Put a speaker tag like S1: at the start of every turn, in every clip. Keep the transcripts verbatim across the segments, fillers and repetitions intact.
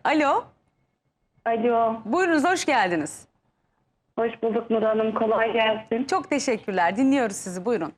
S1: Alo.
S2: Alo,
S1: Buyurunuz, hoş geldiniz.
S2: hoş bulduk Nur Hanım. Kolay gelsin.
S1: Çok teşekkürler. Dinliyoruz sizi. Buyurun.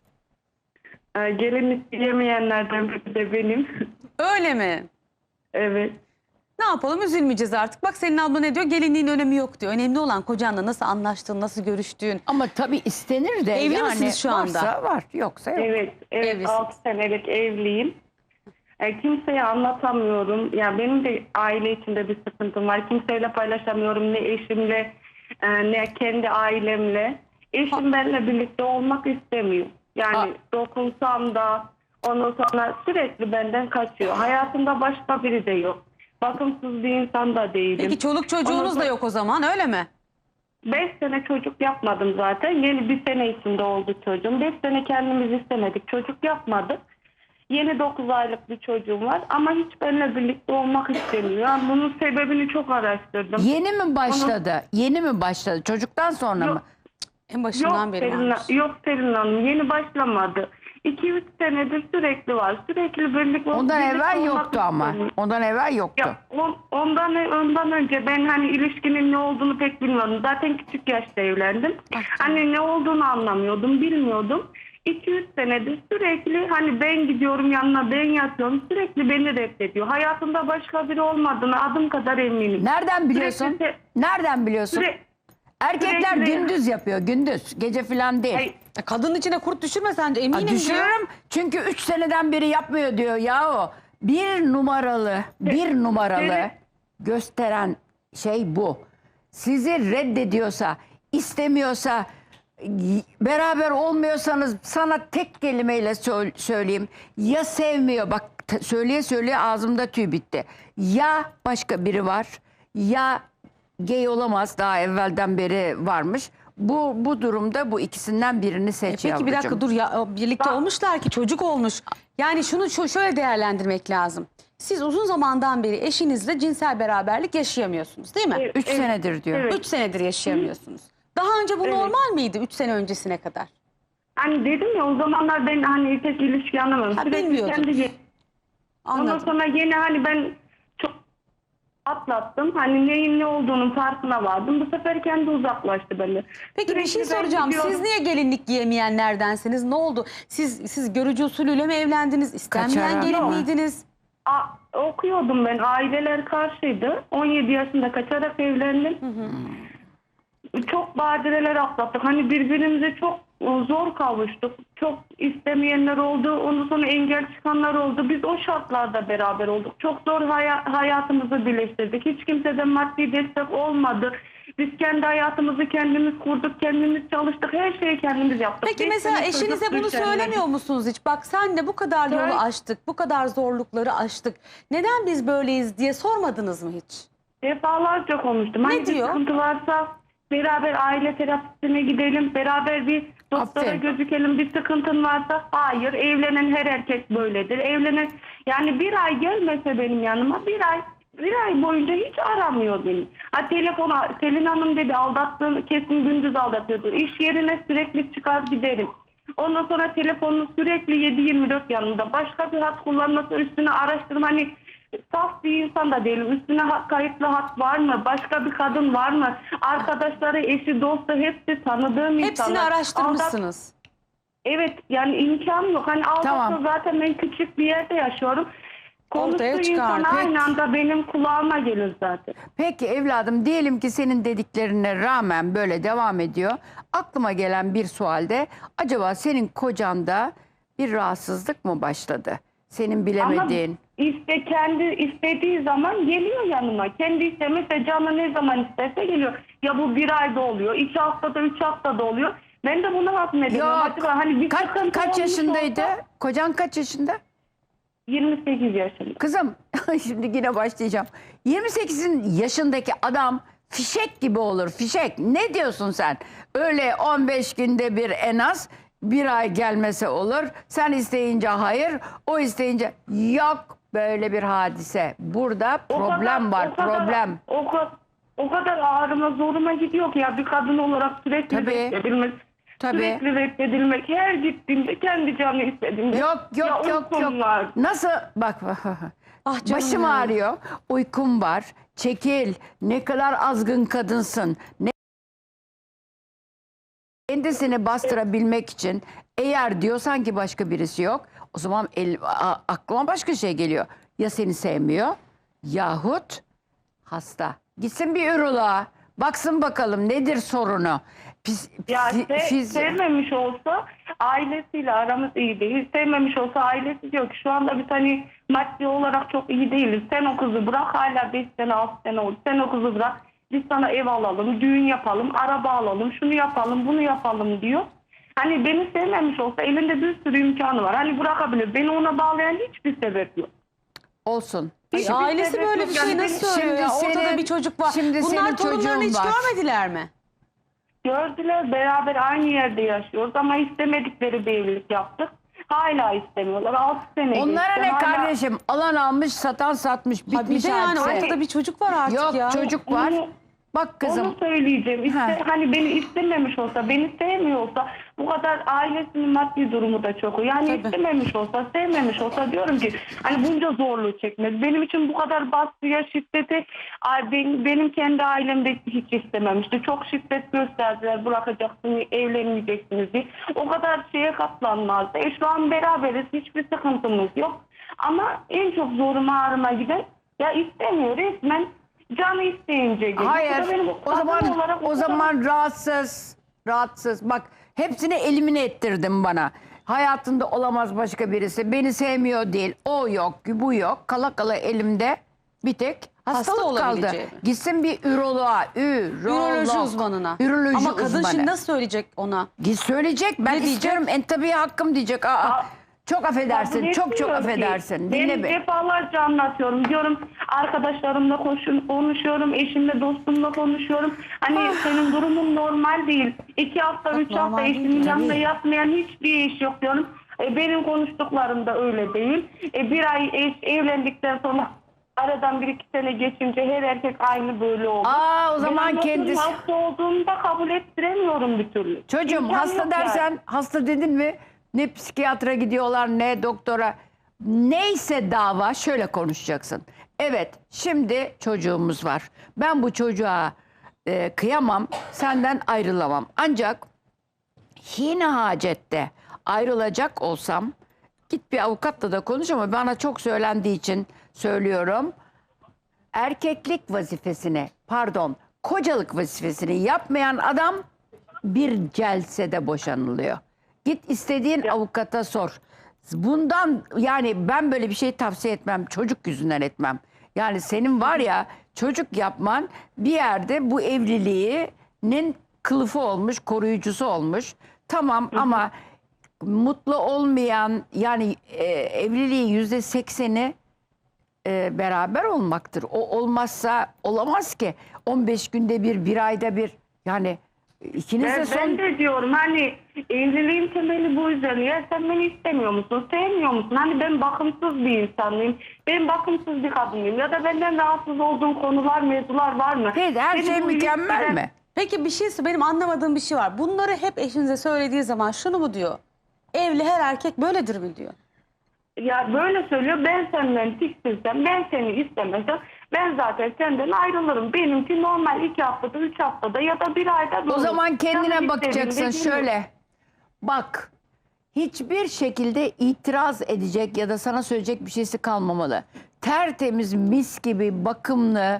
S2: Ee, gelin isteyemeyenlerden biri de benim.
S1: Öyle mi?
S2: Evet.
S1: Ne yapalım? Üzülmeyeceğiz artık. Bak senin abla ne diyor? Gelinliğin önemi yok diyor. Önemli olan kocanla nasıl anlaştığın, nasıl görüştüğün.
S3: Ama tabii istenir de.
S1: Evli
S3: yani
S1: misiniz şu anda?
S3: Varsa var, yoksa yok.
S2: Evet, evet
S1: Evlisin.
S2: altı senelik evliyim. Ee, kimseye anlatamıyorum. Ya benim de aile içinde bir sıkıntım var. Kimseyle paylaşamıyorum. Ne eşimle, e, ne kendi ailemle. Eşim benimle birlikte olmak istemiyor. Yani
S3: Ha.
S2: dokunsam da ondan sonra sürekli benden kaçıyor. Hayatımda başka biri de yok. Bakımsız bir insan da değilim.
S1: Peki çoluk çocuğunuz
S2: Ondan
S1: da
S2: sonra-
S1: yok o zaman, öyle mi?
S2: Beş sene çocuk yapmadım zaten. Yeni bir sene içinde oldu çocuğum. Beş sene kendimiz istemedik. Çocuk yapmadık. Yeni dokuz aylık bir çocuğum var. Ama hiç benimle birlikte olmak istemiyor. Yani bunun sebebini çok araştırdım.
S3: Yeni mi başladı? Yeni mi başladı? Çocuktan sonra
S2: Yok.
S3: mı?
S1: En başından
S2: Yok
S1: beri
S2: Selin,
S1: varmış.
S2: yok Selin Hanım. Yeni başlamadı. iki üç senedir sürekli var. Sürekli birlikte
S3: Ondan
S2: birlikte
S3: evvel
S2: olmak
S3: yoktu ama.
S2: istemiyor.
S3: Ondan evvel yoktu.
S2: Ya, on- ondan ondan önce ben hani ilişkinin ne olduğunu pek bilmiyordum. Zaten küçük yaşta evlendim. Hani ne olduğunu anlamıyordum, bilmiyordum. iki üç senedir sürekli hani ben gidiyorum yanına, ben yatıyorum. Sürekli beni reddediyor. Hayatında başka biri olmadığını adım kadar eminim.
S3: Nereden biliyorsun?
S2: Sürekli-
S3: Nereden biliyorsun?
S2: Süre-
S3: Erkekler
S2: sürekli-
S3: gündüz yapıyor, gündüz. Gece falan değil.
S2: Ay,
S1: E, Kadının içine kurt düşürme sence,
S3: Ha,
S1: eminim diyor.
S3: düşürürüm çünkü üç seneden beri yapmıyor diyor yahu. Bir numaralı, bir numaralı
S2: seni-
S3: gösteren şey bu. Sizi reddediyorsa, istemiyorsa, y- beraber olmuyorsanız sana tek kelimeyle sö- söyleyeyim. Ya sevmiyor, bak t- söyleye söyleye ağzımda tüy bitti. Ya başka biri var, ya gay olamaz, daha evvelden beri varmış. Bu bu durumda bu ikisinden birini
S1: E,
S3: seç
S1: peki bir dakika
S3: yavrucuğum.
S1: dur ya, birlikte
S2: Bak-
S1: olmuşlar ki çocuk olmuş. Yani şunu şu- şöyle değerlendirmek lazım. Siz uzun zamandan beri eşinizle cinsel beraberlik yaşayamıyorsunuz, değil mi?
S2: Evet.
S3: Üç senedir diyor.
S2: Evet.
S1: Üç senedir yaşayamıyorsunuz. Daha önce bu
S2: Evet.
S1: normal miydi üç sene öncesine kadar?
S2: Hani dedim ya o zamanlar ben hani pek ilişki anlamadım.
S1: Ha,
S2: Sürekli
S1: bilmiyordun.
S2: kendi Ondan
S1: Anladım.
S2: sonra yine hani ben çok atlattım. Hani neyin ne olduğunun farkına vardım. Bu sefer kendi uzaklaştı beni.
S1: Peki bir şey
S2: Sürekli ben
S1: soracağım.
S2: gidiyorum.
S1: Siz niye gelinlik giyemeyenlerdensiniz? Ne oldu? Siz siz görücü usulüyle mi evlendiniz? İstenmeyen
S3: Kaçarak
S1: gelin
S3: mı?
S1: miydiniz?
S2: A- okuyordum ben. Aileler karşıydı. on yedi yaşında kaçarak evlendim. Çok badireler atlattık. Hani birbirimize çok zor kavuştuk. Çok istemeyenler oldu. Ondan sonra engel çıkanlar oldu. Biz o şartlarda beraber olduk. Çok zor haya- hayatımızı birleştirdik. Hiç kimseden maddi destek olmadı. Biz kendi hayatımızı kendimiz kurduk, kendimiz çalıştık. Her şeyi kendimiz yaptık.
S1: Peki
S2: Beş
S1: mesela
S2: sene
S1: eşinize
S2: çocuk
S1: bunu
S2: düşenler.
S1: söylemiyor musunuz hiç? Bak senle bu kadar yolu
S2: Evet.
S1: aştık, bu kadar zorlukları aştık. Neden biz böyleyiz diye sormadınız mı hiç?
S2: Defalarca konuştum.
S1: Ne
S2: Hani bir
S1: diyor?
S2: sıkıntı varsa beraber aile terapisine gidelim. Beraber bir doktora
S3: Aferin.
S2: gözükelim. Bir sıkıntın varsa hayır. Evlenen her erkek böyledir. Evlenen yani bir ay gelmese benim yanıma bir ay bir ay boyunca hiç aramıyor beni. Ha telefona Selin Hanım dedi aldattığını kesin gündüz aldatıyordu. İş yerine sürekli çıkar giderim. Ondan sonra telefonunu sürekli yedi yirmi dört yanında. Başka bir hat kullanması üstüne araştırma hani saf bir insan da değilim. Üstüne hat, kayıtlı hat var mı? Başka bir kadın var mı? Arkadaşları, eşi, dostu hepsi tanıdığım insanlar.
S1: Hepsini
S2: Aldat-
S1: araştırmışsınız.
S2: Evet yani imkan yok. Hani aldatsa
S3: Tamam.
S2: zaten ben küçük bir yerde yaşıyorum.
S1: Ortaya
S2: Konuştuğu
S1: çıkar.
S2: insan
S1: Peki.
S2: aynı anda benim kulağıma gelir zaten.
S3: Peki evladım, diyelim ki senin dediklerine rağmen böyle devam ediyor. Aklıma gelen bir sualde, acaba senin kocanda bir rahatsızlık mı başladı? Senin bilemediğin.
S2: Ama iste, kendi istediği zaman geliyor yanıma. Kendi istemese canı ne zaman isterse geliyor. Ya bu bir ayda oluyor, iki haftada, üç haftada oluyor. Ben de bunu hazmediyorum.
S3: Yok.
S2: Acaba hani bir
S3: Kaç,
S2: sıkıntı
S3: kaç
S2: olmuş
S3: yaşındaydı?
S2: olsa-
S3: Kocan kaç yaşında?
S2: yirmi sekiz yaşında.
S3: Kızım şimdi yine başlayacağım. yirmi sekizin yaşındaki adam fişek gibi olur, fişek. Ne diyorsun sen? Öyle on beş günde bir en az bir ay gelmese olur. Sen isteyince hayır, o isteyince yok, böyle bir hadise. Burada
S2: O
S3: problem
S2: kadar-
S3: var,
S2: o kadar-
S3: problem.
S2: O kadar, o kadar ağrıma zoruma gidiyor ki ya bir kadın olarak sürekli
S3: Tabii.
S2: reddedilmek.
S3: Tabii.
S2: Sürekli reddedilmek. Her gittiğimde kendi canı istediğimde.
S3: Yok
S2: Ya
S3: yok yok
S2: uykum
S3: yok.
S2: var.
S3: Nasıl bak
S1: Ah canım
S3: başım
S1: ya.
S3: ağrıyor, uykum var, çekil. Ne kadar azgın kadınsın. Ne kendisini bastırabilmek için eğer diyorsan ki başka birisi yok, o zaman el, a- aklıma başka şey geliyor. Ya seni sevmiyor yahut hasta. Gitsin bir üroloğa. Baksın bakalım nedir sorunu. Pis,
S2: Ya
S3: psi-
S2: se-
S3: fiz-
S2: sevmemiş olsa ailesiyle aramız iyi değil. Sevmemiş olsa ailesi diyor ki şu anda biz hani maddi olarak çok iyi değiliz. Sen o kızı bırak, hala beş sene altı sene oldu. Sen o kızı bırak, biz sana ev alalım, düğün yapalım, araba alalım, şunu yapalım, bunu yapalım diyor. Hani beni sevmemiş olsa elinde bir sürü imkanı var. Hani bırakabilir. Beni ona bağlayan hiçbir sebep yok.
S3: olsun.
S1: Ay,
S2: Hiçbir
S1: ailesi
S2: sebep
S1: böyle
S2: yok.
S1: bir şey
S2: Yani
S1: nasıl
S2: benim-
S1: söylüyor ya?
S3: Şimdi
S1: Ortada
S3: senin-
S1: bir çocuk var.
S3: şimdi
S1: Bunlar
S3: senin
S1: torunlarını
S3: çocuğun
S1: hiç
S3: var.
S1: görmediler mi?
S2: Gördüler, beraber aynı yerde yaşıyoruz ama istemedikleri bir evlilik yaptık. Hala istemiyorlar. altı sene
S3: Onlara
S2: geçti.
S3: ne
S2: Hala-
S3: kardeşim? Alan almış, satan satmış.
S1: Ha bir
S3: Bitmiş
S1: de yani
S3: hadise.
S1: ortada bir çocuk var artık
S3: Yok
S1: ya.
S3: çocuk var.
S2: Onu-
S3: Bak kızım.
S2: Onu söyleyeceğim. İşte
S3: Ha.
S2: hani beni istememiş olsa, beni sevmiyor olsa, bu kadar ailesinin maddi durumu da çok. Yani
S1: Tabii.
S2: istememiş olsa, sevmemiş olsa diyorum ki hani bunca zorluğu çekmez. Benim için bu kadar baskıya, şiddeti ay, benim, benim kendi ailemde hiç istememişti. Çok şiddet gösterdiler. Bırakacaksınız, evlenmeyeceksiniz diye. O kadar şeye katlanmazdı. E şu an beraberiz. Hiçbir sıkıntımız yok. Ama en çok zoruma ağrıma giden ya istemiyor resmen. Canı isteyince geliyor.
S3: Hayır.
S2: Bu da benim
S3: O
S2: kadın
S3: zaman
S2: olarak
S3: o
S2: kadar-
S3: zaman rahatsız. Rahatsız. Bak hepsini elimine ettirdin bana. Hayatında olamaz başka birisi. Beni sevmiyor değil. O yok, bu yok. Kala kala elimde bir tek hastalık kaldı.
S1: olabileceği mi?
S3: Gitsin bir üroloğa. Ürolog.
S1: Üroloji uzmanına.
S3: Üroloji
S1: Ama kadın
S3: uzmanı.
S1: şimdi nasıl söyleyecek ona?
S3: Git söyleyecek. Ben
S1: Ne diyecek?
S3: istiyorum. En tabii hakkım diyecek. Aa,
S2: Aa,
S3: çok affedersin.
S2: Kabul
S3: Çok çok
S2: etmiyor ki.
S3: affedersin.
S2: Ben
S3: Dinle beni.
S2: defalarca anlatıyorum. Diyorum arkadaşlarımla koşun, konuşuyorum. Eşimle, dostumla konuşuyorum. Hani
S3: Ah.
S2: senin durumun normal değil. İki hafta, üç hafta
S1: normal değil,
S2: eşimin yanında
S3: tabii.
S2: yatmayan hiçbir iş yok diyorum. E, benim konuştuklarım da öyle değil. E, bir ay eş evlendikten sonra aradan bir iki sene geçince her erkek aynı böyle oldu.
S3: Aa, o zaman
S2: Ben anlatıyorum,
S3: kendisi-
S2: hasta olduğumda kabul ettiremiyorum bir türlü.
S3: Çocuğum
S2: İmkan
S3: hasta
S2: yok
S3: dersen
S2: yani.
S3: hasta dedin mi ne psikiyatra gidiyorlar ne doktora. Neyse dava şöyle konuşacaksın. Evet şimdi çocuğumuz var. Ben bu çocuğa e, kıyamam, senden ayrılamam. Ancak yine hacette ayrılacak olsam git bir avukatla da konuş ama bana çok söylendiği için söylüyorum. Erkeklik vazifesini pardon kocalık vazifesini yapmayan adam bir celsede boşanılıyor. Git istediğin avukata sor. Bundan yani ben böyle bir şey tavsiye etmem. Çocuk yüzünden etmem. Yani senin var ya çocuk yapman bir yerde bu evliliğinin kılıfı olmuş, koruyucusu olmuş. Tamam ama mutlu olmayan yani e, evliliğin yüzde sekseni e, beraber olmaktır. O olmazsa olamaz ki. on beş günde bir, bir ayda bir. Yani ikiniz de
S2: Ben,
S3: son...
S2: ben de diyorum hani evliliğin temeli bu yüzden. Ya sen beni istemiyor musun? Sevmiyor musun? Hani ben bakımsız bir insanlıyım. Ben bakımsız bir kadınıyım. Ya da benden rahatsız olduğum konular, mevzular var mı?
S3: Hey, her
S2: Beni
S3: şey
S2: bu
S3: mükemmel
S2: ilişkiden-
S3: mi?
S1: Peki bir şey benim anlamadığım bir şey var. Bunları hep eşinize söylediği zaman şunu mu diyor? Evli her erkek böyledir mi diyor?
S2: Ya böyle söylüyor. Ben senden tiksinsem, ben seni istemesem ben zaten senden ayrılırım. Benimki normal iki haftada, üç haftada ya da bir ayda
S3: O
S2: olur.
S3: zaman kendine
S2: Canım
S3: bakacaksın
S2: istediğinde gelir.
S3: şöyle. Bak hiçbir şekilde itiraz edecek ya da sana söyleyecek bir şeysi kalmamalı. Tertemiz mis gibi bakımlı,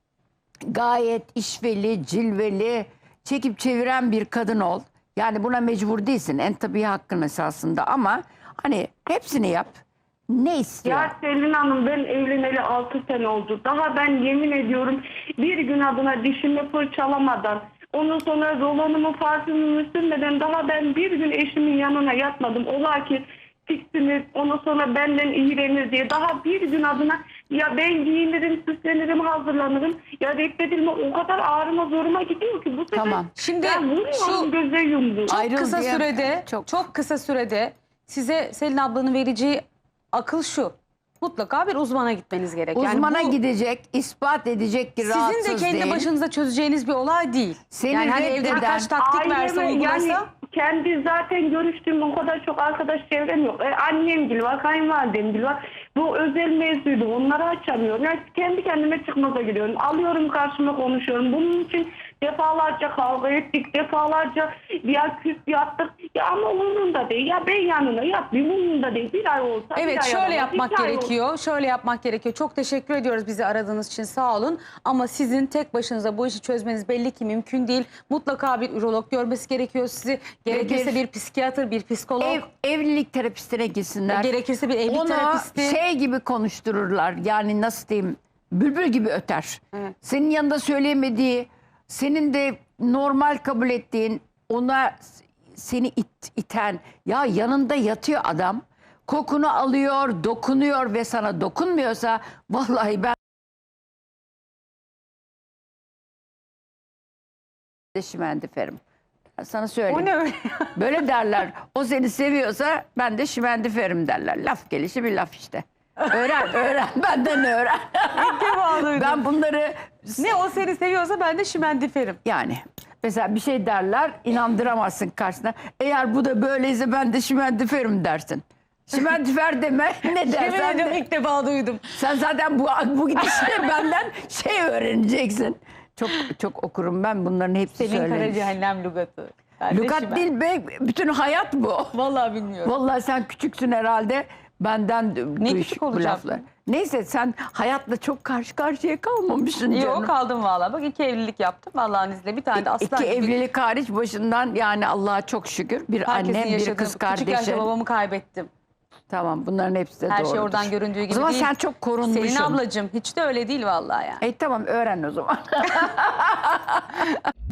S3: gayet işveli, cilveli, çekip çeviren bir kadın ol. Yani buna mecbur değilsin. En tabii hakkın esasında ama hani hepsini yap. Ne istiyor?
S2: Ya Selin Hanım ben evleneli altı sene oldu. Daha ben yemin ediyorum bir gün adına dişimi fırçalamadan, ondan sonra rolonumu parfümümü sürmeden daha ben bir gün eşimin yanına yatmadım. Ola ki tiksinir, ondan sonra benden iğrenir diye daha bir gün adına ya ben giyinirim, süslenirim, hazırlanırım. Ya reddedilme o kadar ağrıma zoruma gidiyor ki bu sefer
S3: Tamam.
S1: Şimdi
S2: ben vuruyorum
S1: şu-
S2: göze yumruğu.
S1: Çok
S3: Ayrıl
S1: kısa
S3: diye-
S1: sürede,
S3: Çok.
S1: çok. kısa sürede size Selin ablanın vereceği akıl şu. Mutlaka bir uzmana gitmeniz gerek. Yani
S3: Uzmana
S1: bu
S3: gidecek, ispat edecek ki rahatsız
S1: sizin de kendi
S3: değil.
S1: başınıza çözeceğiniz bir olay değil.
S3: Seni
S1: yani hani evde
S3: reddeden-
S1: birkaç taktik verse
S2: Aileme,
S1: uygulasa.
S2: yani kendi zaten görüştüğüm o kadar çok arkadaş çevrem yok. E, annem gibi var, kayınvalidem gibi var. Bu özel mevzuydu. Onları açamıyorum. Yani kendi kendime çıkmaza giriyorum. Alıyorum karşıma konuşuyorum. Bunun için defalarca kavga ettik. Defalarca ya küs yattık. Ya ama umurumda değil. Ya ben yanına yatmayayım. Umurumda değil. Bir ay olsa bir
S1: Evet
S2: ay
S1: şöyle
S2: aramaz,
S1: yapmak
S2: iki ay olsa.
S1: gerekiyor. Şöyle yapmak gerekiyor. Çok teşekkür ediyoruz bizi aradığınız için, sağ olun. Ama sizin tek başınıza bu işi çözmeniz belli ki mümkün değil. Mutlaka bir ürolog görmesi gerekiyor sizi. Gerekirse
S3: bir-
S1: bir psikiyatr, bir psikolog.
S3: Ev, evlilik terapistine gitsinler.
S1: Gerekirse bir evlilik
S3: Ona
S1: terapisti.
S3: şey gibi konuştururlar. Yani nasıl diyeyim? Bülbül gibi öter.
S1: Evet.
S3: Senin yanında söyleyemediği, senin de normal kabul ettiğin, ona seni it- iten, ya yanında yatıyor adam. Kokunu alıyor, dokunuyor ve sana dokunmuyorsa vallahi ben de şimendiferim. Ben sana söyleyeyim.
S1: O ne öyle?
S3: Böyle derler. O seni seviyorsa ben de şimendiferim derler. Laf gelişi bir laf işte. Öğren, öğren. Benden öğren.
S1: İlk defa duydum.
S3: Ben bunları
S1: Ne o seni seviyorsa ben de şimendiferim.
S3: yani mesela bir şey derler, inandıramazsın karşısına. Eğer bu da böyleyse ben de şimendiferim dersin. Şimendifer deme, ne
S1: Yemin
S3: dersen
S1: ediyorum
S3: de.
S1: ilk defa duydum.
S3: Sen zaten bu bu gidişle benden şey öğreneceksin. Çok çok okurum ben bunların hepsi
S1: Selin Kara
S3: söylenir.
S1: Cehennem lügatı. Ben de
S3: Lukat
S1: şimen-
S3: değil be, bütün hayat bu.
S1: Vallahi bilmiyorum.
S3: Vallahi sen küçüksün herhalde. Benden
S1: Ne
S3: duy
S1: küçük
S3: bu
S1: olacağım?
S3: laflar. Neyse sen hayatla çok karşı karşıya kalmamışsın canım.
S1: Yok kaldım vallahi. Bak iki evlilik yaptım Allah'ın izniyle. Bir tane de aslan
S3: İki
S1: gibi.
S3: evlilik hariç başından yani Allah'a çok şükür. Bir
S1: Herkesin
S3: annem, bir
S1: yaşadığı,
S3: kız
S1: küçük yaşta
S3: kardeşin.
S1: babamı kaybettim.
S3: Tamam bunların hepsi de
S1: Her
S3: doğrudur.
S1: şey oradan göründüğü gibi
S3: O zaman
S1: değil.
S3: sen çok korunmuşsun.
S1: Selin ablacığım hiç de öyle değil vallahi yani.
S3: E tamam öğren o zaman.